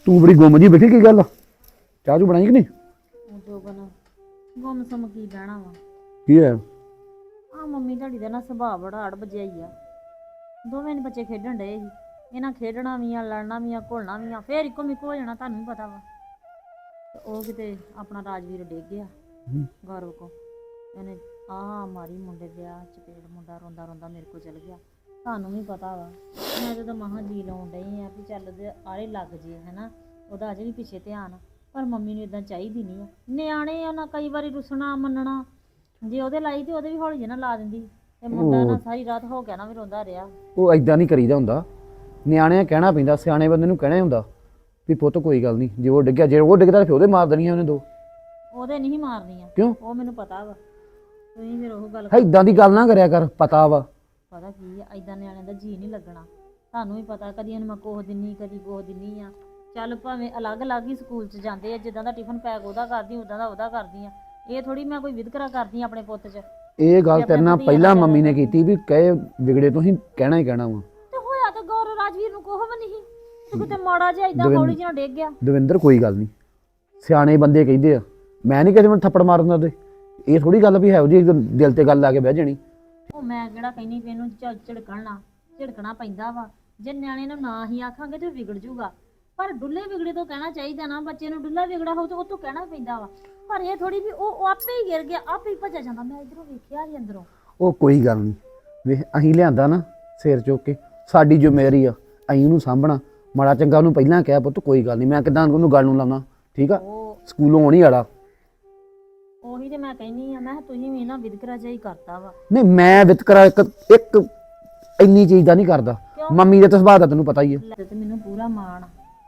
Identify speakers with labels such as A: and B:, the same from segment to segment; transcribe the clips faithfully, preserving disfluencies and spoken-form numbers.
A: ਤੂੰ ਬੜੀ ਗੁੰਮ ਜੀ ਬੈਠੀ, ਕੀ ਗੱਲ? ਚਾਹ ਚੂ ਬਣਾਈ ਕਿ ਨਹੀਂ?
B: ਜੋਬਨ ਗੁੰਮ ਸਮ ਕੀ ਬਹਿਣਾ ਵਾ।
A: ਕੀ ਹੈ?
B: ਆ ਮੰਮੀ ਤੁਹਾਡੀ ਦਾ ਨਾ ਸੁਭਾਅ ਬੜਾ ਅੜ ਬਜਿਆ ਹੀ ਆ। ਦੋਵੇਂ ਨੇ ਬੱਚੇ ਖੇਡਣ ਡਏ ਸੀ, ਇਹਨਾਂ ਖੇਡਣਾ ਵੀ ਆ, ਲੜਨਾ ਵੀ ਆ, ਘੁਲਣਾ ਵੀ ਆ, ਫੇਰ ਇੱਕੋ ਮਿੱਕੋ ਹੋ ਜਾਣਾ, ਤੁਹਾਨੂੰ ਵੀ ਪਤਾ ਵਾ। ਤੇ ਉਹ ਕਿਤੇ ਆਪਣਾ ਰਾਜਵੀਰ ਡਿੱਗ ਗਿਆ ਗੌਰਵ ਕੋ, ਇਹਨੇ ਆਹ ਮਾਰੀ ਮੁੰਡੇ ਵਿਆਹ ਚਪੇੜ, ਮੁੰਡਾ ਰੋਂਦਾ ਰੋਂਦਾ ਮੇਰੇ ਕੋਲ ਚਲ ਗਿਆ। ਤੁਹਾਨੂੰ ਵੀ ਪਤਾ ਵਾ, ਮੈਂ ਜਦੋਂ ਮਹਾਂ ਜੀ ਲਾਉਣ ਡਈ ਆ ਵੀ ਚੱਲ ਉਹਦੇ ਆਰੇ ਲੱਗ ਜੇ, ਹੈਨਾ, ਉਹਦਾ ਅਜੇ ਵੀ ਪਿੱਛੇ ਧਿਆਨ। ਪਰ ਮੰਮੀ ਨੂੰ ਇਦਾਂ ਚਾਹੀਦੀ ਨਹੀਂ ਆ, ਨਿਆਣੇ ਆ ਨਾ, ਕਈ ਵਾਰੀ ਰੁੱਸਣਾ ਮੰਨਣਾ। ਜੇ ਉਹਦੇ ਲਾਈ ਤੇ ਉਹਦੇ ਵੀ ਹੌਲੀ ਜਿਹੀ ਨਾ ਲਾ ਦਿੰਦੀ, ਤੇ ਮੁੰਡਾ ਨਾ ਸਾਰੀ ਰਾਤ ਹੋ ਗਿਆ ਨਾ ਵੀ ਰੋਂਦਾ ਰਿਹਾ।
A: ਉਹ ਏਦਾਂ ਨਹੀਂ ਕਰੀਦਾ ਹੁੰਦਾ, ਨਿਆਣਿਆਂ ਕਹਿਣਾ ਪੈਂਦਾ, ਸਿਆਣੇ ਬੰਦੇ ਨੂੰ ਕਹਿਣਾ ਹੁੰਦਾ ਵੀ ਪੁੱਤ ਕੋਈ ਗੱਲ ਨਹੀਂ, ਜੇ ਉਹ ਡਿੱਗਿਆ, ਜੇ ਉਹ ਡਿੱਗਦਾ ਫਿਰ ਉਹਦੇ ਮਾਰ ਦੇਣੀਆਂ ਉਹਨੇ ਦੋ।
B: ਉਹਦੇ ਨਹੀਂ ਮਾਰਨੀਆਂ।
A: ਕਿਉਂ?
B: ਉਹ ਮੈਨੂੰ ਪਤਾ ਵਾ, ਤੁਸੀਂ ਫਿਰ ਉਹ ਗੱਲ
A: ਏਦਾਂ ਦੀ ਗੱਲ ਨਾ ਕਰਿਆ ਕਰ, ਪਤਾ ਵਾ।
B: ਪਤਾ ਕੀ ਆ, ਏਦਾਂ ਨਿਆਣਿਆਂ ਦਾ ਜੀ ਨਹੀਂ ਲੱਗਣਾ। ਤੁਹਾਨੂੰ ਵੀ ਪਤਾ, ਕਦੀ ਇਹਨੂੰ ਮੈਂ ਕੋਹ ਦਿੰਨੀ, ਕਦੀ ਕੋਹ ਦਿੰਨੀ ਆ। ਚੱਲ ਭਾਵੇਂ ਅਲੱਗ ਅਲੱਗ ਹੀ ਸਕੂਲ 'ਚ ਜਾਂਦੇ ਆ, ਜਿੱਦਾਂ ਦਾ ਟਿਫਨ ਪੈਕ ਉਹਦਾ ਕਰਦੀ, ਉਦਾਂ ਦਾ ਉਹਦਾ ਕਰਦੀ ਆ। ਇਹ ਥੋੜੀ ਮੈਂ ਕੋਈ ਵਿਤਕਰਾ ਕਰਦੀ ਆਪਣੇ ਪੁੱਤ 'ਚ।
A: ਇਹ ਗੱਲ ਤੇਰੇ ਨਾਲ ਪਹਿਲਾਂ ਮੰਮੀ ਨੇ ਕੀਤੀ ਵੀ ਕਹੇ ਵਿਗੜੇ ਤੋਂ ਹੀ ਕਹਿਣਾ ਹੀ ਕਹਿਣਾ ਵਾ।
B: ਤੇ ਹੋਇਆ ਤਾਂ ਗੌਰਵ ਰਾਜਵੀਰ ਨੂੰ ਕੋਹ ਵੀ ਨਹੀਂ, ਤੇ ਕਿਤੇ ਮਾੜਾ ਜਿਹਾ ਏਦਾਂ ਹੌਲੀ ਜਿਹਾ ਡਿੱਗ ਗਿਆ।
A: ਦਵਿੰਦਰ ਕੋਈ ਗੱਲ ਨਹੀਂ, ਸਿਆਣੇ ਬੰਦੇ ਕਹਿੰਦੇ ਆ, ਮੈਂ ਨਹੀਂ ਕਿਸੇ ਨੂੰ ਥੱਪੜ ਮਾਰਨ ਦਿੰਦਾ। ਇਹ ਥੋੜੀ ਗੱਲ ਵੀ ਹੈ ਉਹਦੀ ਦਿਲ ਤੇ ਗੱਲ ਲਾ ਕੇ ਬਹਿ ਜਾਣੀ।
B: ਉਹ ਮੈਂ ਕਿਹੜਾ ਕਹਿੰਦੀ ਵੀ ਇਹਨੂੰ ਝਿੜਕਣਾ ਝਿੜਕਣਾ ਪੈਂਦਾ ਵਾ। ਜੇ ਨਿਆਣੇ ਨੂੰ ਨਾ ਹੀ ਆਖਾਂਗੇ ਤੇ ਵਿਗੜ ਜੂਗਾ, ਪਰ ਡੁੱਲੇ ਵਿਗੜੇ ਤੋਂ ਕਹਿਣਾ ਚਾਹੀਦਾ ਨਾ। ਬੱਚੇ ਨੂੰ ਡੁੱਲਾ ਵਿਗੜਾ ਹੋਊ ਤੇ ਉਹ ਤੋਂ ਕਹਿਣਾ ਪੈਂਦਾ ਵਾ। ਪਰ ਇਹ ਥੋੜੀ ਵੀ ਉਹ ਆਪੇ ਹੀ ਗਿਰ ਗਿਆ, ਆਪੇ ਹੀ ਭੱਜਿਆ ਜਾਂਦਾ। ਮੈਂ ਇਧਰੋਂ ਵੇਖਿਆ ਜੀ ਅੰਦਰੋਂ।
A: ਉਹ ਕੋਈ ਗੱਲ ਨਹੀਂ, ਵੇਖ ਅਸੀਂ ਲਿਆਂਦਾ ਨਾ ਸਿਰ ਚੁੱਕ ਕੇ, ਸਾਡੀ ਜ਼ਿੰਮੇਵਾਰੀ ਆ, ਅਸੀਂ ਉਹਨੂੰ ਸਾਂਭਣਾ। ਮਾੜਾ ਚੰਗਾ ਉਹਨੂੰ ਪਹਿਲਾਂ ਕਿਹਾ ਪੁੱਤ ਕੋਈ ਗੱਲ ਨਹੀਂ, ਮੈਂ ਕਿਦਾਂ ਉਹਨੂੰ ਗੱਲ ਨੂੰ ਲਾਉਣਾ, ਠੀਕ ਆ? ਸਕੂਲੋਂ ਆਉਣੀ ਵਾਲਾ
B: ਉਹੀ ਤੇ ਮੈਂ ਕਹਿੰਦੀ ਆ, ਮੈਂ ਕਿਹਾ ਤੁਸੀਂ ਵੀ ਨਾ ਵਿਤਕਰਾ ਜਿਹਾ ਹੀ ਕਰਤਾ ਵਾ।
A: ਨਹੀਂ, ਮੈਂ ਵਿਤਕਰਾ ਇੱਕ ਇੱਕ ਇੰਨੀ ਚੀਜ਼ ਦਾ ਨਹੀਂ ਕਰਦਾ। ਮੰਮੀ ਦੇ ਤਾਂ ਸੁਭਾਅ ਦਾ ਤੈਨੂੰ ਪਤਾ ਹੀ ਹੈ।
B: ਤੇ ਮੈਨੂੰ ਪੂਰਾ ਮਾਣ,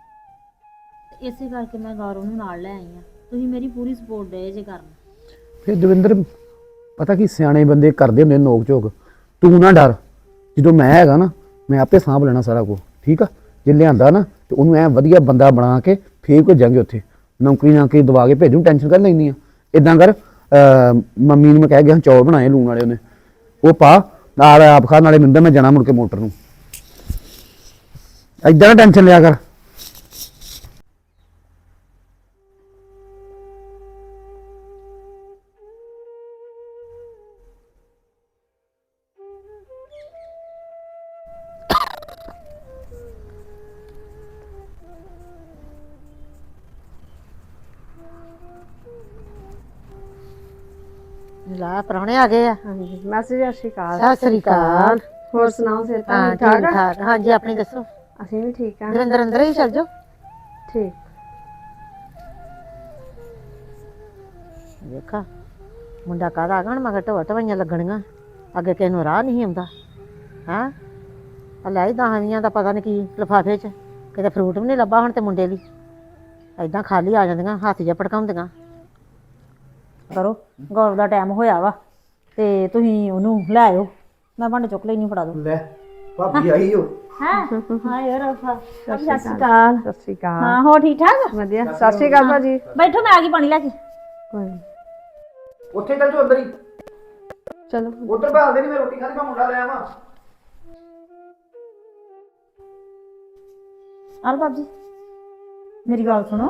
B: ਇਸੇ ਕਰਕੇ ਮੈਂ ਗੌਰਵ ਨੂੰ ਨਾਲ ਲੈ ਆਈ ਆ। ਤੁਸੀਂ ਮੇਰੀ ਪੂਰੀ ਸਪੋਰਟ ਦੇ ਜੇ ਕਰਨ।
A: ਫਿਰ ਦਵਿੰਦਰ, ਪਤਾ ਕੀ ਸਿਆਣੇ ਬੰਦੇ ਕਰਦੇ ਹੁੰਦੇ ਨੋਕ ਝੋਕ, ਤੂੰ ਨਾ ਡਰ। ਜਦੋਂ ਮੈਂ ਹੈਗਾ ਨਾ, ਮੈਂ ਆਪੇ ਸਾਂਭ ਲੈਣਾ ਸਾਰਾ ਕੁਝ, ਠੀਕ ਆ? ਜੇ ਲਿਆਂਦਾ ਨਾ ਤੇ ਉਹਨੂੰ ਐ ਵਧੀਆ ਬੰਦਾ ਬਣਾ ਕੇ ਫੇਰ ਭੇਜਾਂਗੇ ਉੱਥੇ, ਨੌਕਰੀ ਨਾਕਰੀ ਦਵਾ ਕੇ ਭੇਜੂ, ਟੈਨਸ਼ਨ ਕਰ ਲੈਂਦੀ ਆ। ਇਦਾਂ ਕਰ, ਮੰਮੀ ਨੂੰ ਮੈਂ ਕਹਿ ਗਿਆ ਚੌਲ ਬਣਾਏ ਲੂਣ ਵਾਲੇ, ਉਹਨੇ ਉਹ ਪਾ ਨਾਲ ਆਪ ਖਾ, ਨਾਲੇ ਮਿੰਦਾ ਮੈਂ ਜਾਣਾ ਮੁੜ ਕੇ ਮੋਟਰ ਨੂੰ। ਏਦਾਂ ਨਾ ਟੈਨਸ਼ਨ ਲਿਆ ਕਰ।
C: ਲਾ ਪ੍ਰਾਹੁਣੇ ਆ ਗਏ ਆ।
D: ਹਾਂਜੀ ਮਾਸੀ ਜੀ, ਸਤਿ ਸ਼੍ਰੀ ਅਕਾਲ।
C: ਸਤਿ ਸ੍ਰੀ ਅਕਾਲ।
D: ਹੋਰ ਸੁਣਾਓ, ਸਿਹਤ
C: ਹਾਂ
D: ਠੀਕ
C: ਠੀਕ
D: ਠਾਕ?
C: ਠਾਕ। ਹਾਂਜੀ ਆਪਣੀ ਦੱਸੋ।
D: ਅਸੀਂ ਵੀ ਠੀਕ ਹਾਂ।
C: ਦਵਿੰਦਰ ਅੰਦਰ ਹੀ ਚੱਲ ਜਾਓ।
D: ਠੀਕ।
C: ਵੇਖਾ ਮੁੰਡਾ ਕਾਹਦਾ ਆ ਗਿਆ, ਹੁਣ ਮਗਰ ਢੋਆ ਢਵਾਈਆਂ ਲੱਗਣੀਆਂ। ਅੱਗੇ ਕਿਸੇ ਨੂੰ ਰਾਹ ਨਹੀਂ ਆਉਂਦਾ। ਹਾਂ ਆ ਲੈ ਹੀ ਦਹਾਵੀਆਂ ਦਾ ਪਤਾ ਨਹੀਂ ਕੀ ਲਿਫਾਫੇ 'ਚ, ਕਿਤੇ ਫਰੂਟ ਵੀ ਨਹੀਂ ਲੱਭਾ ਹੁਣ ਤੇ ਮੁੰਡੇ ਲਈ। ਏਦਾਂ ਖਾਲੀ ਆ ਜਾਂਦੀਆਂ, ਹੱਥ ਜਿਹਾ ਭੜਕਾਉਂਦੀਆਂ।
B: ਕਰੋ, ਗੌਰਵ ਦਾ ਟਾਈਮ ਹੋਇਆ ਵਾ ਤੇ ਤੁਸੀਂ ਉਹਨੂੰ ਲੈ ਆਇਓ। ਮੈਂ ਭਾਂਡੇ ਚੁੱਕ ਲੈਣੀ, ਫੜਾ ਦੋ।
A: ਲੈ ਭਾਬੀ ਆਈ ਹੋ।
B: ਹਾਂ ਹਾਂ ਯਾਰ, ਸਤਿ ਸ਼੍ਰੀ
D: ਅਕਾਲ।
B: ਅਕਾਲ।
D: ਸਤਿ ਸ਼੍ਰੀ ਅਕਾਲ।
B: ਹਾਂ ਹੋ ਠੀਕ ਠਾਕ?
D: ਵਧੀਆ। ਸਤਿ ਸ਼੍ਰੀ ਅਕਾਲ ਭਾਜੀ।
B: ਬੈਠੋ, ਮੈਂ ਆ ਗਈ ਪਾਣੀ ਲੈ ਕੇ।
D: ਕੋਈ ਨੀ।
A: ਉੱਥੇ ਚੱਲ ਜਾਓ ਅੰਦਰ ਹੀ,
D: ਚਲੋ
A: ਉਧਰ ਭਾਲਦੇ ਨਹੀਂ, ਮੈਂ ਰੋਟੀ ਖਾਣੀ, ਮੈਂ ਮੁੰਡਾ ਲੈ ਆਵਾਂ।
B: ਆਲ ਬਾਬ ਜੀ, ਮੇਰੀ ਗੱਲ ਸੁਣੋ।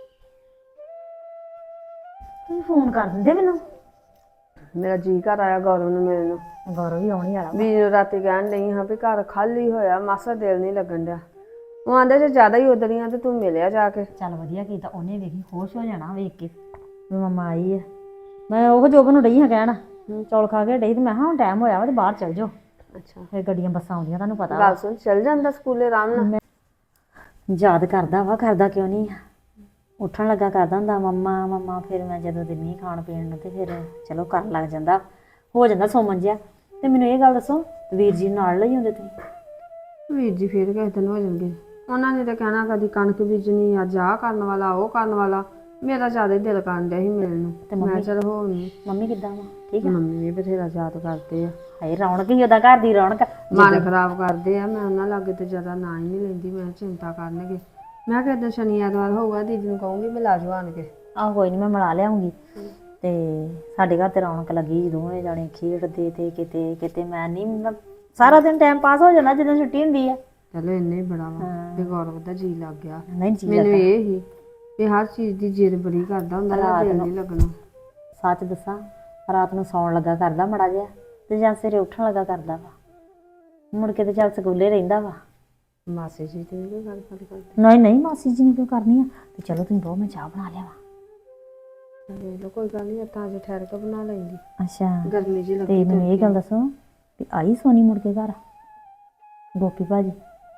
B: ਤੁਸੀਂ ਫੋਨ ਕਰ ਦਿੰਦੇ ਮੈਨੂੰ।
D: ਮੇਰਾ ਜੀ ਘਰ ਆਇਆ ਗੌਰਵ ਨੂੰ ਮਿਲਣ ਨੂੰ।
B: ਗੌਰਵ ਵੀ ਆਉਣੀ ਵਾਲਾ।
D: ਵੀ ਰਾਤੀ ਕਹਿਣ ਡਈ ਹਾਂ ਵੀ ਘਰ ਖਾਲੀ ਹੋਇਆ, ਮਾਸਾ ਦਿਲ ਨਹੀਂ ਲੱਗਣ ਡਿਆ। ਉਹ ਆਂਦੇ ਜੇ ਜ਼ਿਆਦਾ ਹੀ ਉਦਰੀਆਂ ਤੇ ਤੂੰ ਮਿਲਿਆ ਜਾ ਕੇ।
B: ਚੱਲ ਵਧੀਆ ਕੀਤਾ, ਉਹਨੇ ਵੇਖੀ ਖੁਸ਼ ਹੋ ਜਾਣਾ ਵੇਖ ਕੇ ਵੀ ਮੰਮਾ ਆਈ ਹੈ। ਮੈਂ ਉਹ ਜੋਬਨ ਨੂੰ ਡਈ ਹਾਂ ਕਹਿਣ, ਚੌਲ ਖਾ ਕੇ ਡਈ, ਤੇ ਮੈਂ ਕਿਹਾ ਹੁਣ ਟਾਈਮ ਹੋਇਆ ਵਾ ਤੇ ਬਾਹਰ ਚੱਲ ਜਾਓ।
D: ਅੱਛਾ,
B: ਫਿਰ ਗੱਡੀਆਂ ਬੱਸਾਂ ਆਉਂਦੀਆਂ, ਤੁਹਾਨੂੰ ਪਤਾ।
D: ਗੱਲ ਸੁਣ, ਚੱਲ ਜਾਂਦਾ ਸਕੂਲੇ ਆਰਾਮ ਨਾਲ।
B: ਯਾਦ ਕਰਦਾ ਵਾ, ਕਰਦਾ ਕਿਉਂ ਨਹੀਂ। ਉੱਠਣ ਲੱਗਾ ਕਰਦਾ ਹੁੰਦਾ ਮੰਮਾ ਮੰਮਾ। ਫਿਰ ਮੈਂ ਜਦੋਂ ਦਿੰਨੀ ਖਾਣ ਪੀਣ ਨੂੰ ਤੇ ਫਿਰ ਚਲੋ ਕਰਨ ਲੱਗ ਜਾਂਦਾ, ਹੋ ਜਾਂਦਾ ਸੌਮਨ ਜਿਹਾ। ਤੇ ਮੈਨੂੰ ਇਹ ਗੱਲ ਦੱਸੋ, ਵੀਰ ਜੀ ਨਾਲ ਲਈ ਹੁੰਦੇ ਤੁਸੀਂ?
D: ਵੀਰ ਜੀ ਫਿਰ ਕਿਸੇ ਦਿਨ ਹੋ ਜਾਣਗੇ। ਉਹਨਾਂ ਨੇ ਤਾਂ ਕਹਿਣਾ ਕਦੀ ਕਣਕ ਬੀਜਣੀ, ਅੱਜ ਆਹ ਕਰਨ ਵਾਲਾ, ਉਹ ਕਰਨ ਵਾਲਾ। ਮੇਰਾ ਜ਼ਿਆਦਾ ਹੀ ਦਿਲ ਕਰਨ ਡਿਆ ਸੀ ਮਿਲਣ ਨੂੰ, ਤੇ ਮੈਂ ਚਲ ਹੋ ਨਹੀਂ।
B: ਮੰਮੀ ਕਿੱਦਾਂ ਵਾ? ਠੀਕ ਹੈ।
D: ਮੰਮੀ ਵੀ ਬਥੇਰਾ ਯਾਦ ਕਰਦੇ ਆ।
B: ਹਾਏ ਰੌਣਕ ਹੀ ਉਹਦਾ ਘਰ ਦੀ ਰੌਣਕ।
D: ਮਨ ਖਰਾਬ ਕਰਦੇ ਆ। ਮੈਂ ਉਹਨਾਂ ਲਾਗੇ ਤੇ ਜ਼ਿਆਦਾ ਨਾ ਹੀ ਨਹੀਂ ਲੈਂਦੀ, ਮੈਂ ਚਿੰਤਾ ਕਰਨਗੇ। ਮੈਂ ਕਿਹਾ ਏਦਾਂ ਸ਼ਨੀ ਐਤਵਾਰ ਹੋਊਗਾ, ਦੀਦੀ ਨੂੰ ਕਹੂੰਗੀ ਮਿਲਾ ਜਾਓ ਆਣ ਕੇ।
B: ਆਹ ਕੋਈ ਨਹੀਂ, ਮੈਂ ਮਿਲਾ ਲਿਆਉਂਗੀ। ਤੇ ਸਾਡੇ ਘਰ ਤੇ ਰੌਣਕ ਲੱਗੀ, ਦੋਵੇਂ ਜਾਣੇ ਖੇਡਦੇ ਤੇ ਕਿਤੇ ਕਿਤੇ। ਮੈਂ ਨਹੀਂ, ਸਾਰਾ ਦਿਨ ਟਾਈਮ ਪਾਸ ਹੋ ਜਾਂਦਾ ਜਦੋਂ ਛੁੱਟੀ ਹੁੰਦੀ ਆ।
D: ਚਲੋ ਇੰਨੇ ਹੀ ਬੜਾ ਵਾ ਤੇ ਗੌਰਵ ਦਾ ਜੀ ਲੱਗ ਗਿਆ।
B: ਨਹੀਂ ਜੀ
D: ਮੈਨੂੰ ਇਹ ਹੀ ਵੀ ਹਰ ਚੀਜ਼ ਦੀ ਜਿੱਦ ਬੜੀ ਕਰਦਾ ਹੁੰਦਾ ਨਾ, ਦਿਲ ਨਹੀਂ ਲੱਗਣਾ।
B: ਸੱਚ ਦੱਸਾਂ, ਰਾਤ ਨੂੰ ਸੌਣ ਲੱਗਾ ਕਰਦਾ ਮੜਾ ਜਿਹਾ ਤੇ ਜਾਂ ਸਵੇਰੇ ਉੱਠਣ ਲੱਗਾ ਕਰਦਾ ਵਾ, ਮੁੜ ਕੇ ਤੇ ਚੱਲ ਸਕੂਲੇ ਰਹਿੰਦਾ ਵਾ।
D: ਮਾਸੀ ਜੀ ਤੇ ਵੀ ਗੱਲ ਗੱਲ ਕਰਦੇ
B: ਨਹੀਂ ਨਹੀਂ ਮਾਸੀ ਜੀ ਨੇ ਕਿਉਂ ਕਰਨੀ ਆ, ਤੇ ਚਲੋ ਤੁਸੀਂ ਬਹੁਤ, ਮੈਂ ਚਾਹ ਬਣਾ ਲਿਆ ਵਾ।
D: ਦੇਖ ਲਓ, ਕੋਈ ਗੱਲ ਨਹੀਂ, ਤਾਂ ਅੱਜ ਠਹਿਰ ਕੇ ਬਣਾ ਲੈਂਦੀ,
B: ਅੱਛਾ
D: ਗਰਮੀ ਜੀ
B: ਤੇ
D: ਲੱਗੀ।
B: ਮੈਨੂੰ ਇਹ ਗੱਲ ਦੱਸੋ ਵੀ ਆਈ ਸੋਨੀ ਮੁੜ ਕੇ ਘਰ, ਗੋਪੀ ਭਾਜੀ?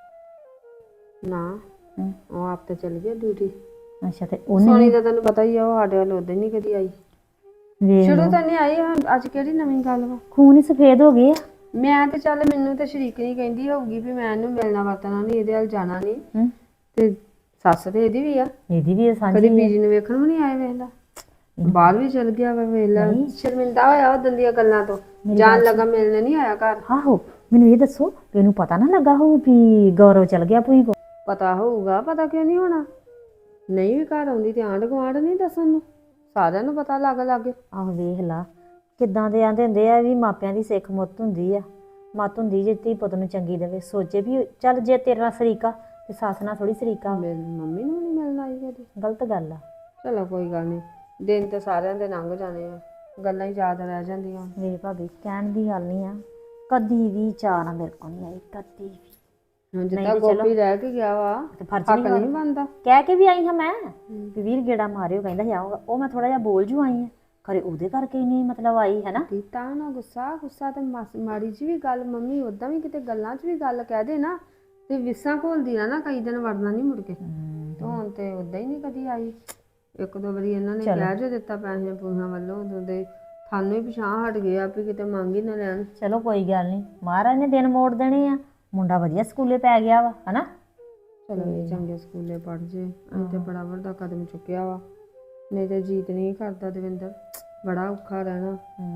D: ਨਾ
B: ਹਮ।
D: ਉਹ ਆਪ ਤੇ ਚਲ ਗਿਆ ਡਿਊਟੀ।
B: ਅੱਛਾ ਤੇ ਉਹਨੇ
D: ਸੋਨੀ ਦਾ ਤੈਨੂੰ ਪਤਾ ਹੀ ਆ, ਉਹ ਸਾਡੇ ਵੱਲ ਉਦੋਂ ਨਹੀਂ ਕਦੀ ਆਈ,
B: ਵੇਖ
D: ਸ਼ੁਰੂ
B: ਲਓ,
D: ਤਾਂ ਨਹੀਂ ਆਈ। ਹੁਣ ਅੱਜ ਕਿਹੜੀ ਨਵੀਂ ਗੱਲ ਵਾ?
B: ਖੂਨ ਹੀ ਸਫੇਦ ਹੋ ਗਏ ਆ।
D: ਮੈਂ ਤੇ ਚੱਲ, ਮੈਨੂੰ ਤੇ ਸ਼ਰੀਕ ਨਹੀਂ ਕਹਿੰਦੀ ਹੋਊਗੀ ਵੀ ਮੈਂ ਇਹਨੂੰ ਮਿਲਣਾ ਵਰਤਣਾ ਨਹੀਂ, ਇਹਦੇ ਵੱਲ ਜਾਣਾ ਨਹੀਂ,
B: ਹਮ।
D: ਤੇ ਸੱਸ ਤੇ ਇਹਦੀ ਵੀ ਆ,
B: ਇਹਦੀ ਵੀ ਸਾਂਝੀ
D: ਕਦੀ
B: ਆ।
D: ਬੀਜੀ ਨੂੰ ਵੇਖਣ ਵੀ ਨਹੀਂ ਆਏ। ਵੇਖ ਲਾ, ਬਾਹਰ ਵੀ ਚਲ ਗਿਆ ਵਾ, ਵੇਖ ਲਾ, ਸ਼ਰਮਿੰਦਾ ਹੋਇਆ ਉਹ ਦੀਆਂ ਗੱਲਾਂ ਤੋਂ, ਜਾਣ ਲੱਗਾ ਮਿਲਣ ਨਹੀਂ ਆਇਆ ਘਰ।
B: ਆਹੋ ਮੈਨੂੰ ਇਹ ਦੱਸੋ ਵੀ ਇਹਨੂੰ ਪਤਾ ਨਾ ਲੱਗਾ ਹੋਊ ਵੀ ਗੌਰਵ ਚਲ ਗਿਆ ਭੂਈ ਕੋ?
D: ਪਤਾ ਹੋਊਗਾ, ਪਤਾ ਕਿਉਂ ਨਹੀਂ ਹੋਣਾ? ਨਹੀਂ ਵੀ ਘਰ ਆਉਂਦੀ ਤੇ ਆਂਢ ਗੁਆਂਢ ਨਹੀਂ ਦੱਸਣ ਨੂੰ, ਸਾਰਿਆਂ ਨੂੰ ਪਤਾ ਲੱਗ ਲੱਗ।
B: ਆਹੋ ਵੇਖ ਲਾ ਕਿੱਦਾਂ ਦੇ ਆਂਦੇ ਹੁੰਦੇ ਆ ਵੀ ਮਾਪਿਆਂ ਦੀ ਸਿੱਖ ਮੁੱਤ ਹੁੰਦੀ ਆ, ਮੱਤ ਹੁੰਦੀ ਜੇ ਧੀ ਪੁੱਤ ਨੂੰ ਚੰਗੀ ਦੇਵੇ। ਸੋਚੇ ਵੀ ਚੱਲ ਜੇ ਤੇਰੇ ਨਾਲ ਸਰੀਕਾ ਤੇ ਸੱਸ ਨਾਲ ਥੋੜੀ ਸਰੀਕਾ।
D: ਮੇਰੀ ਮੰਮੀ ਨੂੰ ਨਹੀਂ ਮਿਲਣ ਆਈ ਕਦੀ।
B: ਗਲਤ ਗੱਲ ਆ।
D: ਚਲੋ ਕੋਈ ਗੱਲ ਨਹੀਂ, ਦਿਨ ਤੇ ਸਾਰਿਆਂ ਦੇ ਲੰਘ ਜਾਣੇ ਆ, ਗੱਲਾਂ ਹੀ ਯਾਦ ਰਹਿ ਜਾਂਦੀਆਂ।
B: ਮੇਰੀ ਭਾਬੀ ਕਹਿਣ ਦੀ ਗੱਲ ਨਹੀਂ ਆ, ਕਦੀ ਵੀ ਚਾਹ ਨਾ ਮੇਰੇ ਕੋਲ ਨਹੀਂ ਆਈ, ਕਦੀ ਵੀ।
D: ਹੁਣ ਜਿੱਦਾਂ ਗੋਪੀ ਰਹਿ ਕੇ ਗਿਆ ਵਾ,
B: ਤੇ ਫਰਜ਼
D: ਹੱਕ
B: ਨਹੀਂ
D: ਨਹੀਂ ਬਣਦਾ।
B: ਕਹਿ ਕੇ ਵੀ ਆਈ ਹਾਂ ਮੈਂ ਵੀ ਵੀਰ ਗੇੜਾ ਮਾਰਿਓ, ਕਹਿੰਦਾ ਸੀ ਆਊਗਾ। ਉਹ ਮੈਂ ਥੋੜਾ ਜਿਹਾ ਬੋਲ ਜੂ ਆਈ ਆ, ਖਰੇ ਉਹਦੇ ਕਰਕੇ ਹੀ ਨਹੀਂ ਮਤਲਬ ਆਈ ਹੈ ਨਾ।
D: ਕੀਤਾ ਨਾ ਗੁੱਸਾ, ਗੁੱਸਾ ਤੇ ਮਾਸ- ਮਾੜੀ ਜੀ ਵੀ ਗੱਲ ਮੰਮੀ ਉਦਾਂ ਵੀ ਕਿਤੇ ਗੱਲਾਂ 'ਚ ਵੀ ਗੱਲ ਕਹਿ ਦੇ ਨਾ, ਤੇ ਵਿਸਾਂ ਘੋਲਦੀ ਨਾ ਨਾ ਕਈ ਦਿਨ ਵੜਨਾ ਨਹੀਂ ਮੁੜ ਕੇ। ਤੇ ਹੁਣ ਤੇ ਉਦਾਂ ਹੀ ਨਹੀਂ ਕਦੀ ਆਈ। ਇੱਕ ਦੋ ਵਾਰੀ ਇਹਨਾਂ ਨੇ ਕਹਿ ਜੋ ਦਿੱਤਾ ਪੈਸੇ ਪੂਹਾਂ ਵੱਲੋਂ, ਉਦੋਂ ਦੇ ਸਾਨੂੰ ਹੀ ਪਿਛਾਂਹ ਹਟ ਗਏ ਆ ਵੀ ਕਿਤੇ ਮੰਗ ਹੀ ਨਾ ਲੈਣ।
B: ਚਲੋ ਕੋਈ ਗੱਲ ਨਹੀਂ, ਮਹਾਰਾਜ ਨੇ ਦਿਨ ਮੋੜ ਦੇਣੇ ਆ। ਮੁੰਡਾ ਵਧੀਆ ਸਕੂਲੇ ਪੈ ਗਿਆ ਵਾ ਹਨਾ।
D: ਚਲੋ ਇਹ ਚੰਗੇ ਸਕੂਲੇ ਪੜ੍ਹ ਜੇ, ਅਸੀਂ ਤੇ ਬੜਾ ਵੱਡਾ ਕਦਮ ਚੁੱਕਿਆ ਵਾ। ਨਹੀਂ ਤੇ ਜੀਤ ਨਹੀਂ ਕਰਦਾ ਦਵਿੰਦਰ, ਬੜਾ ਔਖਾ ਰਹਿਣਾ।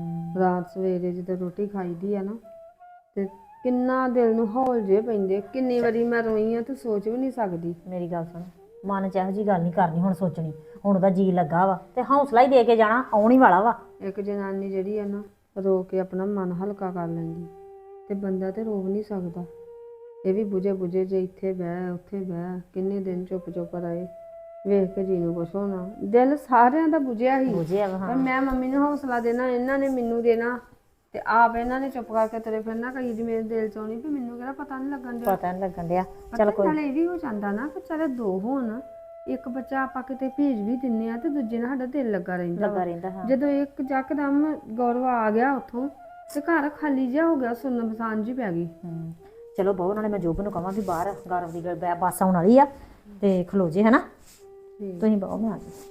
D: ਰਾਤ ਸਵੇਰੇ ਜਦੋਂ ਰੋਟੀ ਖਾਈਦੀ ਆ ਨਾ, ਤੇ ਕਿੰਨਾ ਦਿਲ ਨੂੰ ਹੌਲ ਜੇ ਪੈਂਦੇ। ਕਿੰਨੀ ਵਾਰੀ ਮੈਂ ਰੋਈ ਆ, ਤੂੰ ਸੋਚ ਵੀ ਨਹੀਂ ਸਕਦੀ।
B: ਮੇਰੀ ਗੱਲ ਸੁਣ, ਮਨ ਚ ਇਹੋ ਜਿਹੀ ਗੱਲ ਨਹੀਂ ਕਰਨੀ ਹੁਣ, ਸੋਚਣੀ। ਹੁਣ ਉਹਦਾ ਜੀ ਲੱਗਾ ਵਾ ਤੇ ਹੌਸਲਾ ਹੀ ਦੇ ਕੇ ਜਾਣਾ, ਆਉਣ ਹੀ ਵਾਲਾ ਵਾ।
D: ਇੱਕ ਜਨਾਨੀ ਜਿਹੜੀ ਆ ਨਾ, ਰੋ ਕੇ ਆਪਣਾ ਮਨ ਹਲਕਾ ਕਰ ਲੈਂਦੀ, ਤੇ ਬੰਦਾ ਤੇ ਰੋ ਨਹੀਂ ਸਕਦਾ। ਇਹ ਵੀ ਬੁਝੇ ਬੁਝੇ ਜੇ ਇੱਥੇ ਬਹਿ ਉੱਥੇ ਬਹਿ, ਕਿੰਨੇ ਦਿਨ ਚੁੱਪ ਚੁੱਪ ਰਹੇ, ਵੇਖ ਕੇ ਜੀ ਨੂੰ ਕੁਛ ਹੋਣਾ। ਦਿਲ ਸਾਰਿਆਂ ਦਾ ਬੁਝਿਆ ਹੀ,
B: ਬੁਝਿਆ ਵਾ।
D: ਪਰ ਮੈਂ ਮੰਮੀ ਨੂੰ ਹੌਸਲਾ ਦੇਣਾ, ਇਹਨਾਂ ਨੇ ਮੈਨੂੰ ਦੇਣਾ, ਤੇ ਆਪ ਇਹਨਾਂ ਨੇ ਚੁੱਪ ਕਰਕੇ ਤੁਰੇ ਫਿਰਨਾ। ਕਈ ਜੀ ਮੇਰੇ ਦਿਲ ਚ ਆਉਣੀ ਵੀ ਮੈਨੂੰ ਕਿਹੜਾ ਪਤਾ ਨਹੀਂ ਲੱਗਣ ਡਿਆ।
B: ਪਤਾ ਨਹੀਂ ਲੱਗਣ ਡਿਆ।
D: ਚੱਲ ਕੋਈ ਨਾਲੇ ਇਹ ਵੀ ਹੋ ਜਾਂਦਾ ਨਾ ਕਿ ਚੱਲ ਦੋ ਹੋਣ, ਇੱਕ ਬੱਚਾ ਆਪਾਂ ਕਿਤੇ ਭੇਜ ਵੀ ਦਿੰਨੇ ਆ ਤੇ ਦੂਜੇ ਨਾਲ ਸਾਡਾ ਦਿਲ ਲੱਗਾ ਰਹਿੰਦਾ
B: ਲੱਗਾ ਰਹਿੰਦਾ। ਹਾਂ
D: ਜਦੋਂ ਇੱਕ ਜੱਕਦਮ ਗੌਰਵ ਆ ਗਿਆ ਉੱਥੋਂ, ਤੇ ਘਰ ਖਾਲੀ ਜਿਹਾ ਹੋ ਗਿਆ, ਸੁੰਨ ਮਸਾਨ ਜੀ ਪੈ ਗਈ।
B: ਹੂੰ ਚਲੋ ਬਹੁਤ, ਨਾਲੇ ਮੈਂ ਜੋਬ ਨੂੰ ਕਹਾਂ ਵੀ ਬਾਹਰ ਗੌਰਵ ਦੀ ਗੱਲ ਬੱਸ ਆਉਣ ਵਾਲੀ ਆ ਤੇ ਖਲੋ ਜੇ ਹਨਾ। ਤੁਸੀਂ ਬਹੁਤ, ਮੈਂ ਆ ਗਈ।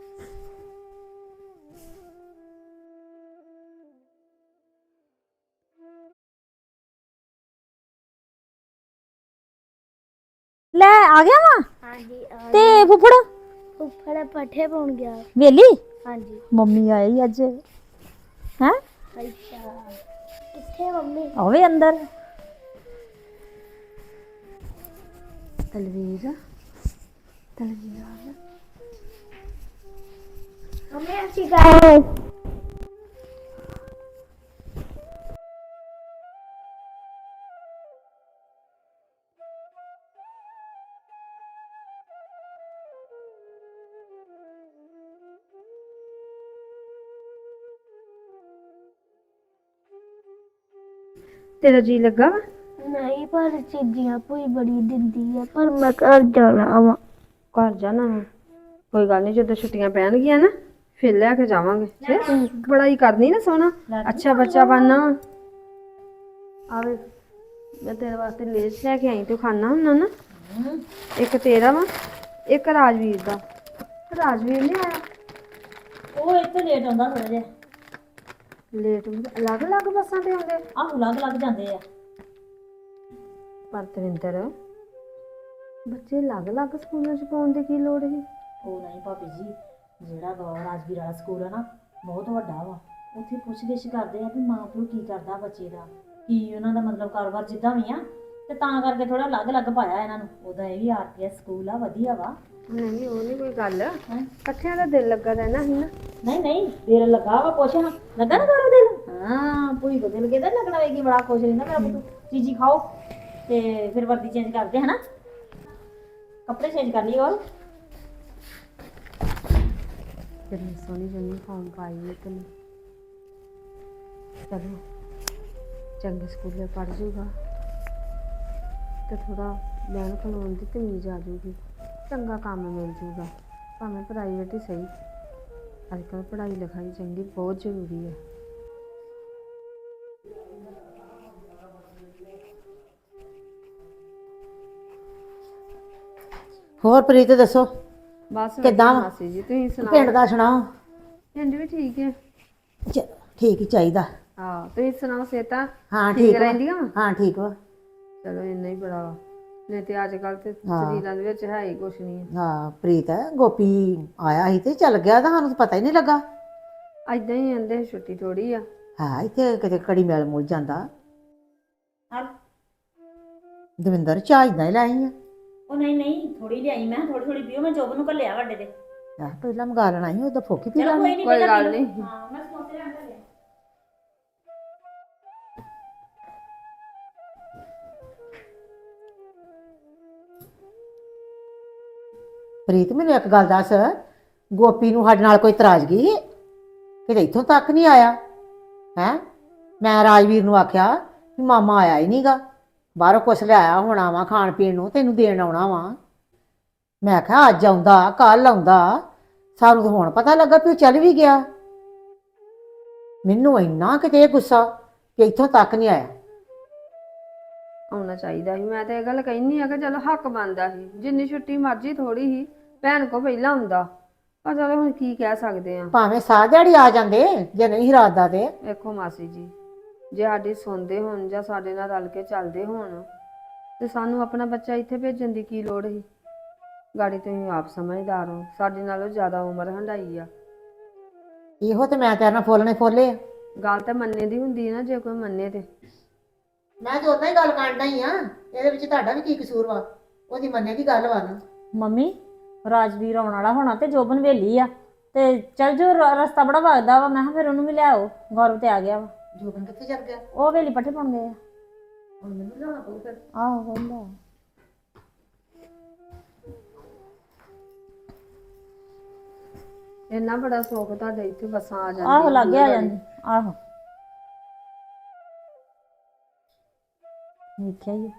B: ਲੈ ਆ ਗਿਆ ਵਾ।
E: ਹਾਂਜੀ ਆ
B: ਤੇ ਫੁੱਫੜ
E: ਉੱਪਰ ਪੱਠੇ ਪਾਉਣ ਗਿਆ।
B: ਵੇਲੀ
E: ਹਾਂਜੀ
B: ਮੰਮੀ ਆਈ ਅੱਜ ਹੈ।
E: ਅੱਛਾ, ਕਿੱਥੇ ਮੰਮੀ?
B: ਆਵੇ ਅੰਦਰ।
D: ਤਲਵੀਰ
E: ਮੰਮੀ ਅਸੀਂ ਗਏ।
D: ਤੇਰਾ ਜੀ ਲੱਗਾ ਵਾ?
E: ਨਹੀਂ, ਪਰ ਚੀਜ਼ੀਆਂ ਭੂਈ ਬੜੀ ਦਿੰਦੀ ਆ, ਪਰ ਮੈਂ ਘਰ ਜਾਣਾ ਵਾ।
D: ਘਰ ਜਾਣਾ ਵਾ? ਕੋਈ ਗੱਲ ਨਹੀਂ, ਜਦੋਂ ਛੁੱਟੀਆਂ ਪੈਣਗੀਆਂ ਨਾ ਫਿਰ ਲੈ ਕੇ ਜਾਵਾਂਗੇ। ਫਿਰ ਬੜਾਈ ਕਰਨੀ ਨਾ ਸੋਹਣਾ, ਅੱਛਾ ਬੱਚਾ ਬਣਨਾ। ਆਵੇ ਮੈਂ ਤੇਰੇ ਵਾਸਤੇ ਲੇਸ ਲੈ ਕੇ ਆਈ, ਤੂੰ ਖਾਣਾ ਹੁੰਦਾ ਨਾ। ਇੱਕ ਤੇਰਾ ਵਾ, ਇੱਕ ਰਾਜਵੀਰ ਦਾ। ਰਾਜਵੀਰ ਨਹੀਂ ਆਇਆ?
B: ਉਹ ਇੱਥੇ ਲੇਟ ਆਉਂਦਾ ਥੋੜਾ ਜਿਹਾ।
D: ਲੇਟ ਅਲੱਗ ਅਲੱਗ ਬੱਸਾਂ ਤੇ ਆਉਂਦੇ?
B: ਆਹੋ ਲੱਗ ਲੱਗ ਜਾਂਦੇ ਆ।
D: ਪਰ ਤਵਿੰਦਰ, ਬੱਚੇ ਅਲੱਗ ਅਲੱਗ ਸਕੂਲਾਂ 'ਚ ਪਾਉਣ ਦੀ ਕੀ ਲੋੜ ਸੀ?
B: ਉਹ ਨਹੀਂ ਭਾਬੀ ਜੀ, ਜਿਹੜਾ ਗੌਰ ਰਾਜਵੀਰ ਵਾਲਾ ਸਕੂਲ ਆ ਨਾ, ਬਹੁਤ ਵੱਡਾ ਵਾ। ਉੱਥੇ ਪੁੱਛ ਗਿੱਛ ਕਰਦੇ ਆ ਵੀ ਮਾਂ ਪਿਓ ਕੀ ਕਰਦਾ ਬੱਚੇ ਦਾ, ਕੀ ਉਹਨਾਂ ਦਾ ਮਤਲਬ ਕਾਰੋਬਾਰ ਜਿੱਦਾਂ ਵੀ ਆ, ਤੇ ਤਾਂ ਕਰਕੇ ਥੋੜਾ ਅਲੱਗ ਅਲੱਗ ਪਾਇਆ ਇਹਨਾਂ ਨੂੰ। ਉਹਦਾ ਇਹ ਵੀ ਆਰ ਪੀ ਐਸ ਸਕੂਲ ਆ, ਵਧੀਆ ਵਾ।
D: ਨਹੀਂ ਉਹ ਨਹੀਂ ਕੋਈ ਗੱਲ, ਇਕੱਠਿਆਂ ਦਾ ਦਿਲ ਲੱਗਾ ਰਹਿਣਾ ਸੀ ਨਾ।
B: ਨਹੀਂ ਨਹੀਂ ਦਿਲ ਲੱਗਾ ਵਾ, ਪੁੱਛ ਹਾਂ ਲੱਗਾ ਨਾ ਗੌਰਵ ਦਿਲ। ਹਾਂ ਭੂਈ ਕੋ ਦਿਲ ਕਿਹਦਾ ਲੱਗਣਾ ਵੇਗੀ, ਬੜਾ ਖੁਸ਼ ਰਹਿੰਦਾ ਮੇਰਾ ਪੁੱਤ। ਚੀਜ਼ੀ ਖਾਓ ਤੇ ਫਿਰ ਵਰਦੀ ਚੇਂਜ ਕਰਦੇ ਹਨਾ, ਕੱਪੜੇ ਚੇਂਜ ਕਰ ਲਈ। ਹੋਰ
D: ਕਿੰਨੀ ਸੋਹਣੀ ਯੂਨੀਫਾਰਮ ਪਾਈ ਹੈ ਤੈਨੂੰ। ਚਲੋ ਚੰਗੇ ਸਕੂਲੇ ਪੜ੍ਹ ਜੂਗਾ ਤੇ ਥੋੜਾ ਬਹਿਣ ਖਲੋਣ ਦੀ ਤਮੀਜ਼ ਆ ਜੂਗੀ, ਚੰਗਾ ਕੰਮ ਮਿਲ ਜੂਗਾ, ਭਾਵੇਂ ਪ੍ਰਾਈਵੇਟ ਹੀ ਸਹੀ। ਅੱਜ ਕੱਲ੍ਹ ਪੜ੍ਹਾਈ ਲਿਖਾਈ ਚੰਗੀ ਬਹੁਤ ਜ਼ਰੂਰੀ ਹੈ।
C: ਹੋਰ ਪ੍ਰੀਤ ਦੱਸੋ
D: ਬਸ
C: ਕਿੱਦਾਂ ਵਾ?
D: ਮਾਸੀ ਜੀ ਤੁਸੀਂ ਸੁਣਾਓ।
C: ਪਿੰਡ ਦਾ ਸੁਣਾਓ।
D: ਪਿੰਡ ਵੀ ਠੀਕ ਹੈ।
C: ਚ- ਠੀਕ ਹੀ ਚਾਹੀਦਾ।
D: ਹਾਂ ਤੁਸੀਂ ਸੁਣਾਓ, ਸਿਹਤਾਂ
C: ਹਾਂ
D: ਠੀਕ
C: ਠੀਕ ਵਾ।
D: ਰਹਿੰਦੀਆਂ ਵਾ?
C: ਹਾਂ ਠੀਕ ਵਾ।
D: ਚਲੋ ਇੰਨਾ ਹੀ ਬੜਾ ਵਾ, ਨਹੀਂ ਤੇ ਅੱਜ ਕੱਲ੍ਹ ਤੇ
C: ਹਾਂ।
D: ਸਰੀਰਾਂ ਦੇ ਵਿੱਚ ਹੈ ਹੀ ਕੁਛ ਨਹੀਂ।
C: ਹਾਂ ਪ੍ਰੀਤ ਗੋਪੀ ਆਇਆ ਸੀ ਤੇ ਚੱਲ ਗਿਆ ਤਾਂ ਸਾਨੂੰ ਤਾਂ ਪਤਾ ਹੀ ਨਹੀਂ ਲੱਗਾ।
D: ਏਦਾਂ ਹੀ ਕਹਿੰਦੇ ਛੁੱਟੀ ਥੋੜੀ ਆ।
C: ਹਾਂ ਇੱਥੇ ਕਿਤੇ ਕੜੀ ਮਿਲ ਮੁਲ ਜਾਂਦਾ।
B: ਹਾਂ
C: ਦਵਿੰਦਰ ਚਾਹ ਇਦਾਂ ਹੀ ਲਾਈ ਆ।
B: ਉਹ ਨਹੀਂ ਨਹੀਂ ਥੋੜੀ ਲਿਆਈ ਮੈਂ, ਥੋੜੀ ਥੋੜੀ ਪੀਓ। ਮੈਂ ਜੋਬ ਨੂੰ ਘੱਲਿਆ ਵੱਡੇ ਦੇ।
C: ਆਹ ਪਹਿਲਾਂ ਮੰਗਾ ਲੈਣਾ ਸੀ, ਉਹਦਾ ਫੋਕੀ ਪੀ
B: ਚਲੋ
C: ਲੈਣੀ।
B: ਕੋਈ ਨਹੀਂ,
D: ਕੋਈ
B: ਪਹਿਲਾਂ
D: ਗੱਲ
B: ਪੀ ਲਓ।
D: ਨਹੀਂ।
B: ਹਾਂ ਮੈਂ ਸਮੋਸੇ ਲੈਣ ਚੱਲਿਆ।
C: ਪ੍ਰੀਤ ਮੈਨੂੰ ਇੱਕ ਗੱਲ ਦੱਸ, ਗੋਪੀ ਨੂੰ ਸਾਡੇ ਨਾਲ ਕੋਈ ਇਤਰਾਜ਼ਗੀ ਹੈ? ਕਿਤੇ ਇੱਥੋਂ ਤੱਕ ਨਹੀਂ ਆਇਆ ਹੈ। ਮੈਂ ਰਾਜਵੀਰ ਨੂੰ ਆਖਿਆ ਵੀ ਮਾਮਾ ਆਇਆ ਹੀ ਨਹੀਂਗਾ, ਬਾਹਰੋਂ ਕੁਛ ਲਿਆਇਆ ਹੋਣਾ ਵਾ ਖਾਣ ਪੀਣ ਨੂੰ, ਤੈਨੂੰ ਦੇਣ ਆਉਣਾ ਵਾ। ਮੈਂ ਆਖਿਆ ਅੱਜ ਆਉਂਦਾ ਕੱਲ ਆਉਂਦਾ, ਸਾਨੂੰ ਤਾਂ ਹੁਣ ਪਤਾ ਲੱਗਾ ਵੀ ਉਹ ਚੱਲ ਵੀ ਗਿਆ। ਮੈਨੂੰ ਇੰਨਾ ਕਿਤੇ ਗੁੱਸਾ ਕਿ ਇੱਥੋਂ ਤੱਕ ਨਹੀਂ ਆਇਆ।
D: ਆਉਣਾ ਚਾਹੀਦਾ ਸੀ। ਮੈਂ ਤਾਂ ਇਹ ਗੱਲ ਕਹਿੰਦੀ ਆ ਕਿ ਚਲੋ ਹੱਕ ਬਣਦਾ ਸੀ, ਜਿੰਨੀ ਛੁੱਟੀ ਮਰਜ਼ੀ ਥੋੜੀ ਸੀ, ਭੈਣ ਕੋ ਪਹਿਲਾਂ ਹੁੰਦਾ। ਪਰ ਚਲੋ ਹੁਣ ਕੀ ਕਹਿ ਸਕਦੇ ਆ।
C: ਭਾਵੇਂ ਸਾਹ ਦਿਹਾੜੀ ਆ ਜਾਂਦੇ ਜੇ ਨਹੀਂ ਇਰਾਦਾ ਤੇ।
D: ਵੇਖੋ ਮਾਸੀ ਜੀ, ਜੇ ਸਾਡੀ ਸੁਣਦੇ ਹੋਣ ਜਾਂ ਸਾਡੇ ਨਾਲ ਰਲ ਕੇ ਚੱਲਦੇ ਹੋਣ ਤੇ ਸਾਨੂੰ ਆਪਣਾ ਬੱਚਾ ਇੱਥੇ ਭੇਜਣ ਦੀ ਕੀ ਲੋੜ ਸੀ। ਗਾੜੀ ਤੁਸੀਂ ਆਪ ਸਮਝਦਾਰ ਹੋ, ਸਾਡੇ ਨਾਲੋਂ ਜ਼ਿਆਦਾ ਉਮਰ ਹੰਢਾਈ ਆ।
C: ਇਹੋ ਤੇ ਮੈਂ ਤੇਰੇ ਨਾਲ ਫੁੱਲਣੇ ਫੋਲੇ ਆ।
D: ਗੱਲ ਤਾਂ ਮੰਨੇ ਦੀ ਹੁੰਦੀ ਹੈ ਨਾ, ਜੇ ਕੋਈ ਮੰਨੇ ਤੇ।
C: ਮੈਂ ਤਾਂ ਉਦਾਂ ਹੀ ਗੱਲ ਕਰਦਾ ਹੀ ਆ, ਇਹਦੇ ਵਿੱਚ ਤੁਹਾਡਾ ਵੀ ਕੀ ਕਸੂਰ ਵਾ? ਉਹਦੀ ਮੰਨੇ ਦੀ ਗੱਲ ਵਾ ਨਾ।
B: ਮੰਮੀ ਰਾਜਵੀਰ ਆਉਣ ਵਾਲਾ ਹੋਣਾ ਤੇ ਜੋਬਨ ਵੇਲੀ ਆ, ਤੇ ਚੱਲ ਜੋ ਰ- ਰਸਤਾ ਬੜਾ ਵਗਦਾ ਵਾ। ਮੈਂ ਕਿਹਾ ਫਿਰ ਉਹਨੂੰ ਵੀ ਲਿਆਓ। ਗੌਰਵ ਤੇ ਆ ਗਿਆ ਵਾ।
C: ਜੋਬਨ ਕਿੱਥੇ ਚੱਲ ਗਿਆ?
B: ਉਹ ਵੇਲੀ ਪੱਠੇ ਪਾਉਣ ਗਏ ਆ।
C: ਹੁਣ ਮੈਨੂੰ ਲਿਆਉਣਾ ਪਊ ਫਿਰ।
B: ਆਹੋ ਕਹਿੰਦਾ
D: ਇੰਨਾ ਬੜਾ ਸ਼ੌਕ ਤੁਹਾਡੇ ਇੱਥੇ ਬੱਸਾਂ ਆ ਜਾਂਦੀਆਂ।
B: ਆਹੋ ਲੱਗ ਗਿਆ ਜਾਂਦੀ। ਆਹੋ ਵੇਖਿਆ ਹੀ ਆ।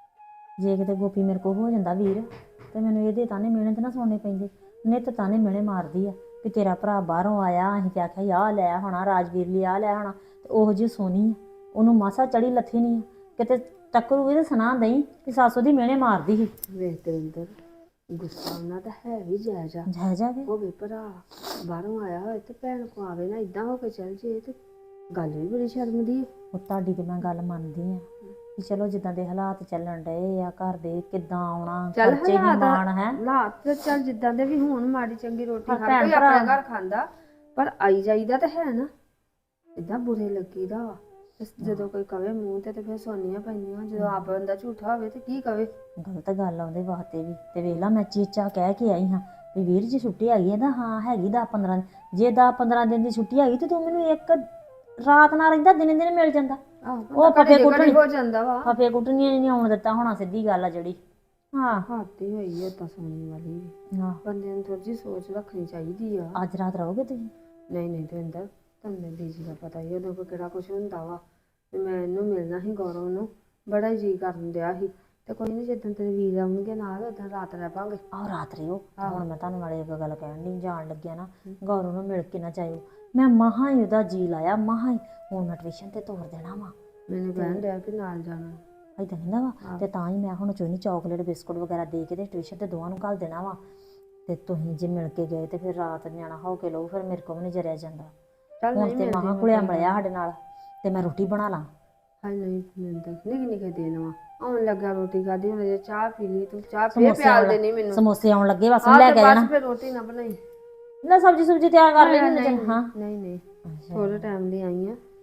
B: ਜੇ ਕਿਤੇ ਗੋਪੀ ਮੇਰੇ ਕੋਲ ਹੋ ਜਾਂਦਾ ਵੀਰ, ਤੇ ਮੈਨੂੰ ਇਹਦੇ ਤਾਨੇ ਮਿਹਣੇ ਤੇ ਨਾ ਸੁਣਨੇ ਪੈਂਦੇ। ਨਿੱਤ ਤਾਨੇ ਮਿਹਣੇ ਮਾਰਦੀ ਆ ਕਿ ਤੇਰਾ ਭਰਾ ਬਾਹਰੋਂ ਆਇਆ, ਅਸੀਂ ਤੇ ਆਖਿਆ ਆਹ ਲੈ ਹੋਣਾ ਰਾਜਵੀਰ ਲਈ, ਆਹ ਲੈ ਹੋਣਾ। ਤੇ ਉਹੋ ਜਿਹੀ ਸੋਨੀ ਆ, ਉਹਨੂੰ ਮਾਸਾ ਚੜੀ ਲੱਥੀ ਨਹੀਂ ਆ। ਕਿਤੇ ਟੱਕਰੂਗੀ ਤੇ ਸੁਣਾ ਦਈ ਕਿ ਸੱਸ ਉਹਦੀ ਮਿਹਣੇ ਮਾਰਦੀ ਸੀ।
D: ਵੇਖ ਦਵਿੰਦਰ, ਗੁੱਸਾ ਉਹਨਾਂ ਦਾ ਹੈ ਵੀ ਜਾਇਜ਼ ਆ।
B: ਜਾ ਜਾ ਕੇ
D: ਹੋਵੇ ਭਰਾ ਬਾਹਰੋਂ ਆਇਆ ਹੋਏ ਤੇ ਭੈਣ ਕੋ ਆਵੇ ਨਾ, ਇਦਾਂ ਹੋ ਕੇ ਚੱਲ ਜੇ ਤੇ ਗੱਲ ਵੀ ਬੜੀ ਸ਼ਰਮ ਦੀ ਹੈ।
B: ਉਹ ਤੁਹਾਡੀ ਤੇ ਮੈਂ ਗੱਲ ਮੰਨਦੀ ਆ ਕਿ ਚਲੋ ਜਿੱਦਾਂ ਦੇ ਹਾਲਾਤ ਚੱਲਣ ਡਏ ਆ ਘਰ ਦੇ, ਕਿੱਦਾਂ ਆਉਣਾ,
D: ਚੱਲ
B: ਖਰਚੇ ਦੀ ਮਾਣ ਹੈ।
D: ਹਾਲਾਤ ਤੇ ਚੱਲ ਜਿੱਦਾਂ ਦੇ ਵੀ ਹੋਣ, ਮਾੜੀ ਚੰਗੀ ਰੋਟੀ
B: ਪਰ
D: ਖਾ
B: ਭੈਣ
D: ਕੋਈ
B: ਭਰਾ-
D: ਆਪਣੇ ਘਰ ਖਾਂਦਾ, ਪਰ ਆਈ ਜਾਈਦਾ ਤਾਂ ਹੈ ਨਾ। ਇਦਾਂ ਬੁਰੇ ਲੱਗੀਦਾ ਵਾ। ਤੇ ਜਦੋਂ ਕੋਈ ਕਵੇ ਮੂੰਹ ਤੇ ਤੇ ਫਿਰ ਸੋਨੀਆਂ ਪੈਂਦੀਆਂ। ਜਦੋਂ ਆਪ ਬੰਦਾ ਝੂਠਾ ਹੋਵੇ ਤੇ ਕੀ ਕਵੇ।
B: ਗਲਤ ਗੱਲ ਆ ਉਹਦੇ ਵਾਸਤੇ ਵੀ। ਤੇ ਵੇਖ ਲਾ ਮੈਂ ਚੀਚਾ ਕਹਿ ਕੇ ਆਈ ਹਾਂ ਵੀ ਵੀਰ ਜੀ ਛੁੱਟੀ ਹੈਗੀ ਹੈ ਨਾ। ਹਾਂ ਹੈਗੀ ਦਸ ਪੰਦਰਾਂ ਦਿਨ। ਜੇ ਦਸ ਪੰਦਰਾਂ ਦਿਨ ਦੀ ਛੁੱਟੀ ਹੈਗੀ ਤੇ ਤੂੰ ਮੈਨੂੰ ਇੱਕ ਰਾਤ ਨਾਲ ਰਹਿੰਦਾ, ਦਿਨੇ ਦਿਨੇ ਮਿਲ ਜਾਂਦਾ। ਉਹ ਫਫੇ ਕੁੱਟਣੀ
D: ਹੋ ਜਾਂਦਾ ਵਾ।
B: ਫਫੇ ਕੁੱਟਣੀਆਂ ਨਹੀਂ ਆਉਣ ਦਿੱਤਾ ਹੋਣਾ, ਸਿੱਧੀ ਗੱਲ ਆ ਜਿਹੜੀ। ਹਾਂ
D: ਹਾਤੀ ਹੋਈ ਹੈ ਤਾਂ ਸੋਣੀ ਵਾਲੀ ਵੀ।
B: ਆਹ,
D: ਬੰਦੇ ਨੂੰ ਥੋੜੀ ਜਿਹੀ ਸੋਚ ਰੱਖਣੀ ਚਾਹੀਦੀ ਆ।
B: ਅੱਜ ਰਾਤ ਰਹੋਗੇ ਤੁਸੀਂ?
D: ਨਹੀਂ ਨਹੀਂ ਦਵਿੰਦਰ, ਤੁਹਾਨੂੰ ਦੀਦੀ ਦਾ ਪਤਾ ਹੀ ਉਦੋਂ ਕੋਈ ਕਿਹੜਾ ਕੁਛ ਹੁੰਦਾ ਵਾ। ਤੇ ਮੈਂ ਇਹਨੂੰ ਮਿਲਣਾ ਸੀ, ਗੌਰਵ ਨੂੰ ਬੜਾ ਹੀ ਜੀ ਕਰਨ ਡਿਆ ਸੀ। ਤੇ ਕੋਈ ਨਹੀਂ, ਜਿੱਦਣ ਤੇਰੇ ਵੀਰ ਆਉਣਗੇ ਨਾਲ ਉਦੋਂ ਰਾਤ ਰਹਿ ਪਾਂਗੇ।
B: ਆਹ ਰਾਤ ਰਿਓ। ਹੁਣ ਮੈਂ ਤੁਹਾਨੂੰ ਨਾਲੇ ਇੱਕ ਗੱਲ ਕਹਿਣ ਦੀ, ਜਾਣ ਲੱਗਿਆ ਨਾ ਗੌਰਵ ਨੂੰ ਮਿਲ ਕੇ ਨਾ ਜਾਇਓ। ਮੈਂ ਮਹਾਂ ਹੀ ਉਹਦਾ ਜੀ ਲਾਇਆ, ਮਹਾਂ ਹੀ। ਹੁਣ ਮੈਂ ਟਿਊਸ਼ਨ ਤੇ ਤੋਰ ਦੇਣਾ ਵਾ।
D: ਮੈਨੂੰ ਕਹਿਣ ਡਿਆ ਕਿ ਨਾਲ ਜਾਣਾ।
B: ਏਦਾਂ ਕਹਿੰਦਾ ਵਾ। ਤੇ ਤਾਂ ਹੀ ਮੈਂ ਹੁਣ ਚੋਨੀ ਚਾਕਲੇਟ ਬਿਸਕੁਟ ਵਗੈਰਾ ਦੇ ਕੇ ਤੇ ਟਿਊਸ਼ਨ ਤੇ ਦੋਵਾਂ ਨੂੰ ਘੱਲ ਦੇਣਾ ਵਾ। ਤੇ ਤੁਸੀਂ ਜੇ ਮਿਲ ਕੇ ਗਏ ਤੇ ਫਿਰ ਰਾਤ ਨਿਆਣਾ ਹੋ ਕੇ ਲਓ, ਫਿਰ ਮੇਰੇ ਕੋਲ ਵੀ ਨਹੀਂ ਜਰਿਆ ਜਾਂਦਾ।
D: ਚੱਲ
B: ਹੁਣ
D: ਨਹੀਂ
B: ਤੇ ਮਹਾਂ ਘੁਲਿਆ ਮਿਲਿਆ ਸਾਡੇ ਨਾਲ, ਤੇ ਮੈਂ ਰੋਟੀ ਬਣਾ ਲਾਂ।
D: ਹਾਂ ਨਹੀਂ ਦਵਿੰਦਰ, ਨਿੱਕੇ ਨਿੱਕੇ ਦਿਨ ਵਾ। ਆਉਣ ਲੱਗਾ ਰੋਟੀ ਖਾਦੀ, ਹੁਣ ਜੇ ਚਾਹ ਪੀ ਲਈ ਤੂੰ ਚਾਹ ਫੇਰ
B: ਸਮੋਸੇ
D: ਪਿਆਲ
B: ਆਉਣ
D: ਦੇਣੀ ਮੈਨੂੰ।
B: ਸਮੋਸੇ ਆਉਣ ਲੱਗੇ, ਬਸ
D: ਆਹ
B: ਲੈ
D: ਤੇ
B: ਕੇ
D: ਬਸ
B: ਜਾਣਾ।
D: ਫਿਰ ਰੋਟੀ ਨਾ ਬਣਾਈ।
B: ਲੈ ਸਬਜੀ ਸੁਬਜੀ ਤਿਆਰ ਕਰ ਲਈ।
D: ਨਹੀਂ
B: ਹਾਂ
D: ਨਹੀਂ ਨਹੀਂ, ਥੋੜੇ ਟਾਈਮ ਲਈ ਆਈ ਆ।